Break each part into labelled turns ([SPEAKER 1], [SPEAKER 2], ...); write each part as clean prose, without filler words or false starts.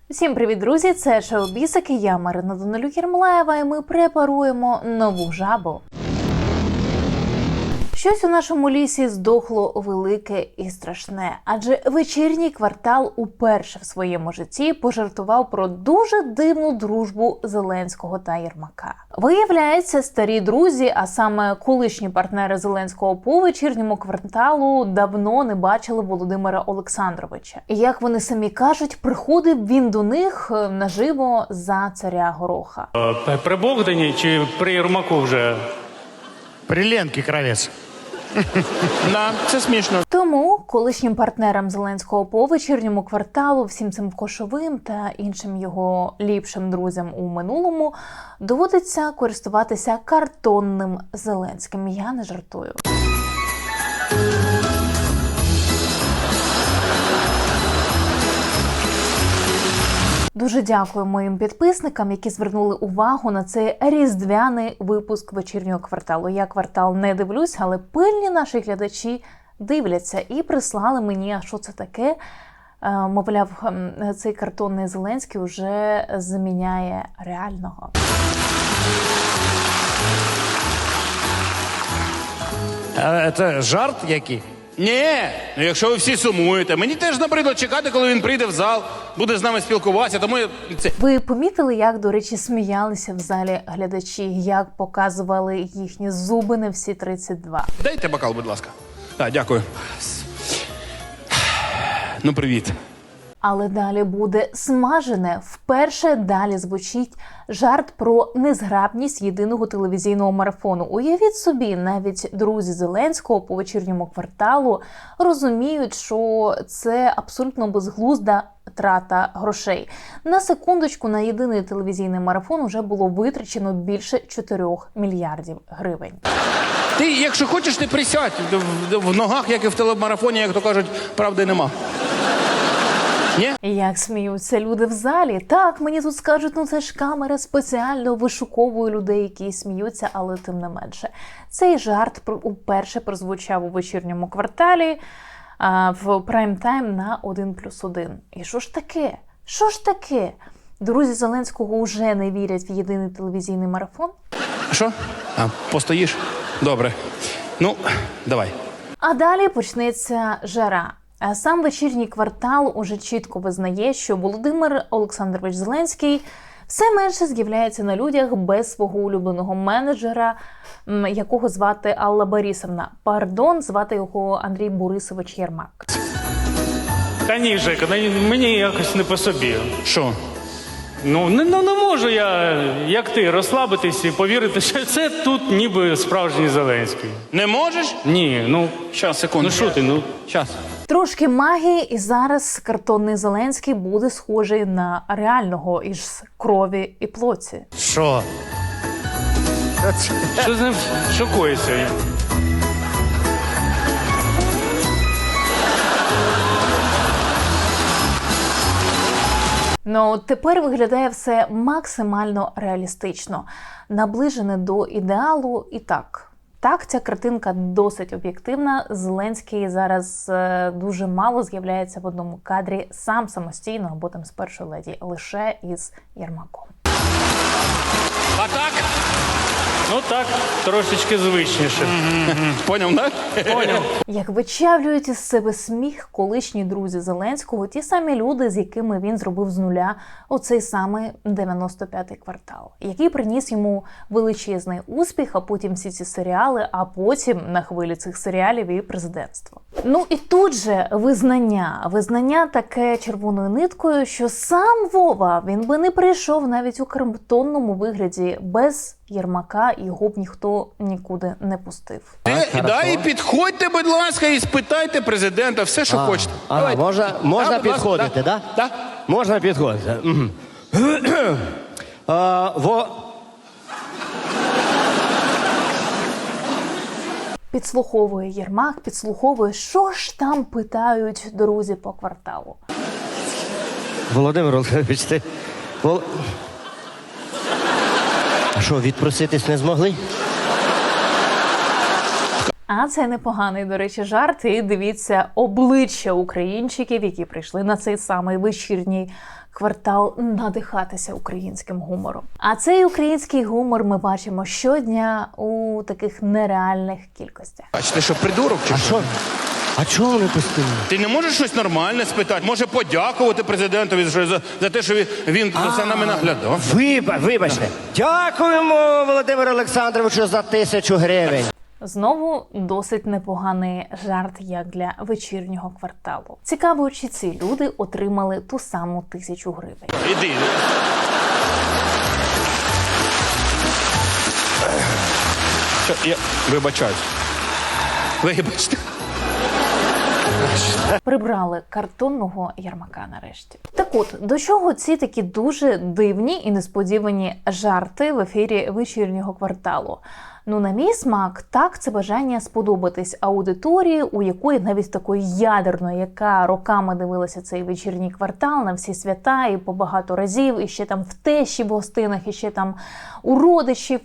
[SPEAKER 1] Всім привіт, друзі! Це шоу Бісики, я Марина Данилюк-Єрмолаєва, і ми препаруємо нову жабу. Щось у нашому лісі здохло велике і страшне, адже вечірній квартал уперше в своєму житті пожартував про дуже дивну дружбу Зеленського та Єрмака. Виявляється, старі друзі, а саме колишні партнери Зеленського по вечірньому кварталу, давно не бачили Володимира Олександровича. І, як вони самі кажуть, приходив він до них наживо за царя Гороха.
[SPEAKER 2] При Богдані чи при Єрмаку вже?
[SPEAKER 3] При Ленці Кравець. Да, це смішно.
[SPEAKER 1] Тому колишнім партнерам Зеленського по вечірньому кварталу, всім цим Кошовим та іншим його ліпшим друзям у минулому доводиться користуватися картонним Зеленським. Я не жартую. Дуже дякую моїм підписникам, які звернули увагу на цей різдвяний випуск вечірнього кварталу. Я квартал не дивлюсь, але пильні наші глядачі дивляться і прислали мені, а що це таке. Мовляв, цей картонний Зеленський вже заміняє реального.
[SPEAKER 3] Це жарт який?
[SPEAKER 4] Ні, ну якщо ви всі сумуєте, мені теж набридло чекати, коли він прийде в зал, буде з нами спілкуватися, тому це...
[SPEAKER 1] Ви помітили, як, до речі, сміялися в залі глядачі, як показували їхні зуби на всі 32?
[SPEAKER 4] Дайте бокал, будь ласка. Так, дякую. Ну, привіт.
[SPEAKER 1] Але далі буде смажене. Вперше далі звучить жарт про незграбність єдиного телевізійного марафону. Уявіть собі, навіть друзі Зеленського по вечірньому кварталу розуміють, що це абсолютно безглузда трата грошей. На секундочку, на єдиний телевізійний марафон вже було витрачено більше 4 мільярдів гривень.
[SPEAKER 4] Ти, якщо хочеш, ти присядь. В ногах, як і в телемарафоні, як то кажуть, правди нема. Ні?
[SPEAKER 1] Як сміються люди в залі. Так, мені тут скажуть, ну це ж камера спеціально вишуковує людей, які сміються, але тим не менше. Цей жарт уперше прозвучав у вечірньому кварталі в прайм-тайм на 1+1. І що ж таке? Що ж таке? Друзі Зеленського вже не вірять в єдиний телевізійний марафон?
[SPEAKER 4] Що? Постоїш? Добре. Ну, давай.
[SPEAKER 1] А далі почнеться жара. А сам вечірній квартал уже чітко визнає, що Володимир Олександрович Зеленський все менше з'являється на людях без свого улюбленого менеджера, якого звати Алла Борисовна. Пардон, звати його Андрій Борисович Єрмак.
[SPEAKER 2] Та ні, Жека, мені якось не по собі.
[SPEAKER 4] Що?
[SPEAKER 2] Ну, не можу я, як ти, розслабитись і повірити, що це тут ніби справжній Зеленський.
[SPEAKER 4] Не можеш?
[SPEAKER 2] Ні, ну,
[SPEAKER 4] Щас, секунду.
[SPEAKER 2] ну що ти, ну.
[SPEAKER 4] Щас.
[SPEAKER 1] Трошки магії, і зараз картонний Зеленський буде схожий на реального із крові і плоті.
[SPEAKER 3] Що?
[SPEAKER 2] Що з ним шокується?
[SPEAKER 1] Ну, тепер виглядає все максимально реалістично, наближене до ідеалу і так. Так, ця картинка досить об'єктивна. Зеленський зараз дуже мало з'являється в одному кадрі сам самостійно або там з першої леді, лише із Єрмаком.
[SPEAKER 4] А так?
[SPEAKER 2] Ну так, трошечки звичніше.
[SPEAKER 4] Поняв, так?
[SPEAKER 2] Поняв.
[SPEAKER 1] Як вичавлюють із себе сміх колишні друзі Зеленського, ті самі люди, з якими він зробив з нуля оцей самий 95-й квартал, який приніс йому величезний успіх, а потім всі ці серіали, а потім на хвилі цих серіалів і президентство. Ну і тут же визнання таке червоною ниткою, що сам Вова, він би не прийшов навіть у картонному вигляді без Єрмака, його б ніхто нікуди не пустив.
[SPEAKER 4] І підходьте, будь ласка, і спитайте президента все, що хочете.
[SPEAKER 3] Можна
[SPEAKER 4] будь ласка,
[SPEAKER 3] підходити, так?
[SPEAKER 4] Так.
[SPEAKER 3] Можна підходити.
[SPEAKER 1] Підслуховує Єрмак, підслуховує, що ж там питають друзі по кварталу.
[SPEAKER 3] Володимир Олександрович, ти... А що, відпроситись не змогли?
[SPEAKER 1] А це непоганий, до речі, жарт. І дивіться обличчя українчиків, які прийшли на цей самий вечірній квартал надихатися українським гумором. А цей український гумор ми бачимо щодня у таких нереальних кількостях.
[SPEAKER 4] Бачите, що придурок чи
[SPEAKER 3] А
[SPEAKER 4] що?
[SPEAKER 3] що? А чого вони постійно?
[SPEAKER 4] Ти не можеш щось нормальне спитати? Може подякувати президентові за те, що він за нами наглядав?
[SPEAKER 3] Вибачте. Дякуємо, Володимиру Олександровичу, за 1000 гривень.
[SPEAKER 1] Знову досить непоганий жарт, як для вечірнього кварталу. Цікаво, чи ці люди отримали ту саму 1000 гривень.
[SPEAKER 4] Іди. Що, я вибачаюсь. Вибачте.
[SPEAKER 1] Прибрали картонного Єрмака нарешті. Так от, до чого ці такі дуже дивні і несподівані жарти в ефірі вечірнього кварталу? Ну, на мій смак, так, це бажання сподобатись аудиторії, у якої навіть такої ядерної, яка роками дивилася цей вечірній квартал на всі свята і по багато разів, і ще там в тещі в гостинах, і ще там у родичів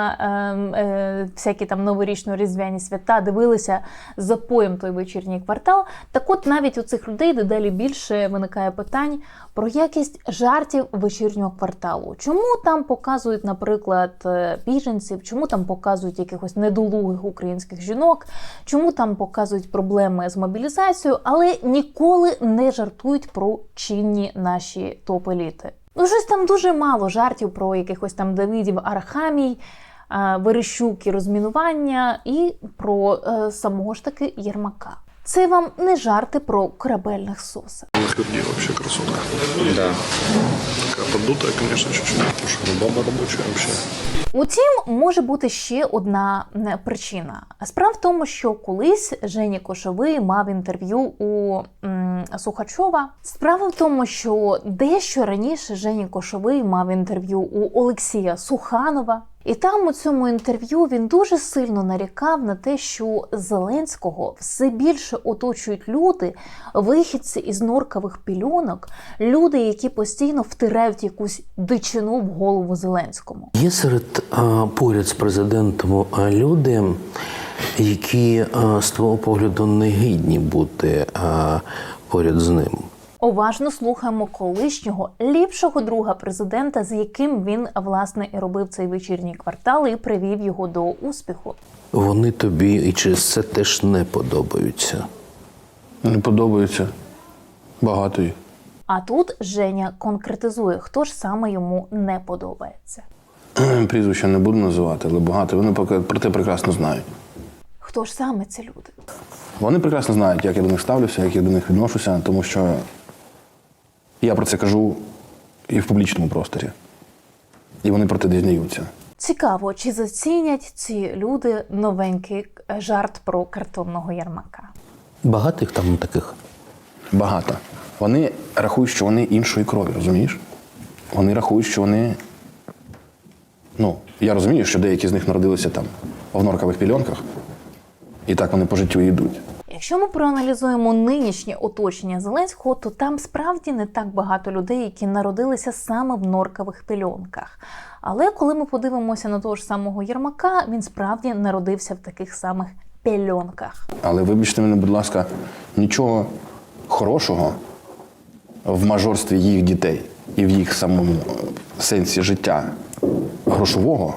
[SPEAKER 1] на всякі там новорічно-різдвяні свята дивилися з запоєм той вечірній квартал. Так от навіть у цих людей дедалі більше виникає питань про якість жартів вечірнього кварталу. Чому там показують, наприклад, біженців, чому там показують якихось недолугих українських жінок, чому там показують проблеми з мобілізацією, але ніколи не жартують про чинні наші топ-еліти. Ну, щось там дуже мало жартів про якихось там Давидів Арахамій, Верещук і розмінування, і про самого ж таки Єрмака. Це вам не жарти про корабельних сосах.
[SPEAKER 5] Нахерди вообще красота. Да. Такая поддутая, конечно, чуть-чуть. Слушай, ну баба рабочая вообще.
[SPEAKER 1] Утім, може бути ще одна причина. Справа в тому, що колись Женя Кошовий мав інтерв'ю у Сухачова. Справа в тому, що дещо раніше Женя Кошовий мав інтерв'ю у Олексія Суханова. І там у цьому інтерв'ю він дуже сильно нарікав на те, що Зеленського все більше оточують люди, вихідці із норкових пільонок, люди, які постійно втирають якусь дичину в голову Зеленському.
[SPEAKER 6] Є поряд з президентом люди, які з твого погляду не гідні бути поряд з ним.
[SPEAKER 1] Уважно слухаємо колишнього ліпшого друга президента, з яким він, власне, і робив цей вечірній квартал і привів його до успіху.
[SPEAKER 6] Вони тобі і через це теж не подобаються.
[SPEAKER 4] Не подобається. Багато їх.
[SPEAKER 1] А тут Женя конкретизує, хто ж саме йому не подобається.
[SPEAKER 4] Прізвища не буду називати, але багато. Вони про те прекрасно знають.
[SPEAKER 1] Хто ж саме ці люди?
[SPEAKER 4] Вони прекрасно знають, як я до них ставлюся, як я до них відношуся, тому що я про це кажу і в публічному просторі. І вони про те дізнаються.
[SPEAKER 1] Цікаво, чи зацінять ці люди новенький жарт про картонного Єрмака?
[SPEAKER 6] Багато їх там таких?
[SPEAKER 4] Багато. Вони рахують, що вони іншої крові, розумієш? Вони рахують, що вони... Ну, я розумію, що деякі з них народилися там в норкових пільонках, і так вони по життю і йдуть.
[SPEAKER 1] Якщо ми проаналізуємо нинішнє оточення Зеленського, то там справді не так багато людей, які народилися саме в норкових пільонках. Але коли ми подивимося на того ж самого Єрмака, він справді народився в таких самих пільонках.
[SPEAKER 4] Але вибачте мене, будь ласка, нічого хорошого в мажорстві їх дітей і в їх самому сенсі життя грошового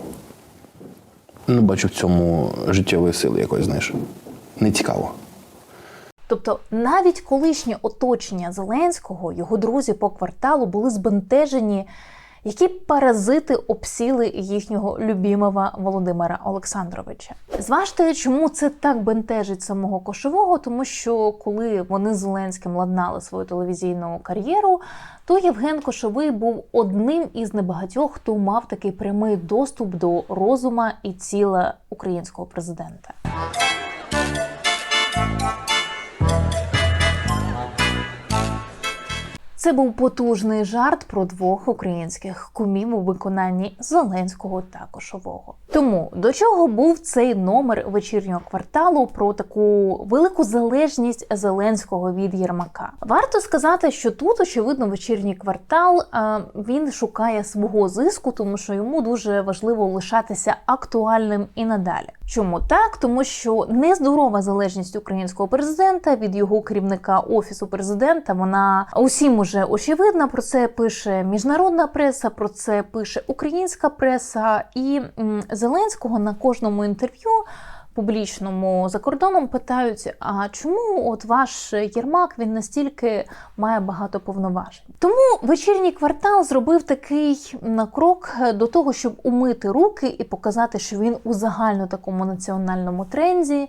[SPEAKER 4] не бачу в цьому життєвої сили якоїсь, знаєш. Не цікаво.
[SPEAKER 1] Тобто навіть колишнє оточення Зеленського, його друзі по кварталу були збентежені, які паразити обсіли їхнього любимого Володимира Олександровича. Зважте, чому це так бентежить самого Кошового, тому що коли вони з Зеленським ладнали свою телевізійну кар'єру, то Євген Кошовий був одним із небагатьох, хто мав такий прямий доступ до розума і тіла українського президента. Це був потужний жарт про двох українських кумів у виконанні Зеленського та Кошового. Тому до чого був цей номер вечірнього кварталу про таку велику залежність Зеленського від Єрмака? Варто сказати, що тут, очевидно, вечірній квартал він шукає свого зиску, тому що йому дуже важливо лишатися актуальним і надалі. Чому так? Тому що нездорова залежність українського президента від його керівника Офісу президента, вона усім уже очевидна. Про це пише міжнародна преса, про це пише українська преса. І Зеленського на кожному інтерв'ю публічному за кордоном питають, а чому от ваш Єрмак, він настільки має багато повноважень? Тому вечірній квартал зробив такий крок до того, щоб умити руки і показати, що він у загально такому національному тренді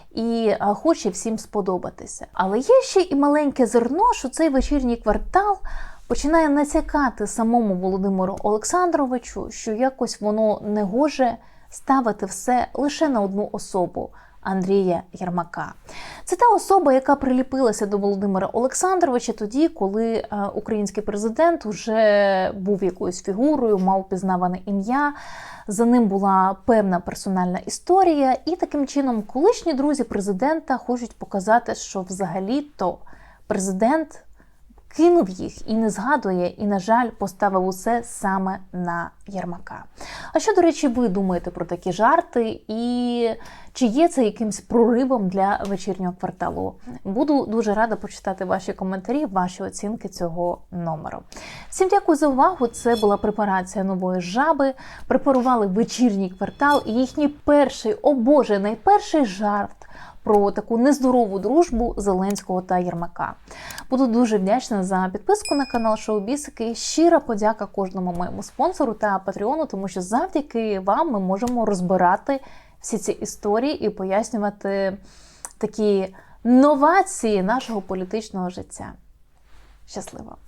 [SPEAKER 1] і хоче всім сподобатися. Але є ще і маленьке зерно, що цей вечірній квартал починає натякати самому Володимиру Олександровичу, що якось воно не гоже ставити все лише на одну особу – Андрія Єрмака. Це та особа, яка приліпилася до Володимира Олександровича тоді, коли український президент вже був якоюсь фігурою, мав пізнаване ім'я, за ним була певна персональна історія, і таким чином колишні друзі президента хочуть показати, що взагалі-то президент кинув їх і не згадує, і, на жаль, поставив усе саме на Єрмака. А що, до речі, ви думаєте про такі жарти? І чи є це якимсь проривом для вечірнього кварталу? Буду дуже рада почитати ваші коментарі, ваші оцінки цього номеру. Всім дякую за увагу. Це була препарація нової жаби. Препарували вечірній квартал і їхній перший, о Боже, найперший жарт про таку нездорову дружбу Зеленського та Єрмака. Буду дуже вдячна за підписку на канал Шоу Бісики. Щира подяка кожному моєму спонсору та патреону, тому що завдяки вам ми можемо розбирати всі ці історії і пояснювати такі новації нашого політичного життя. Щасливо!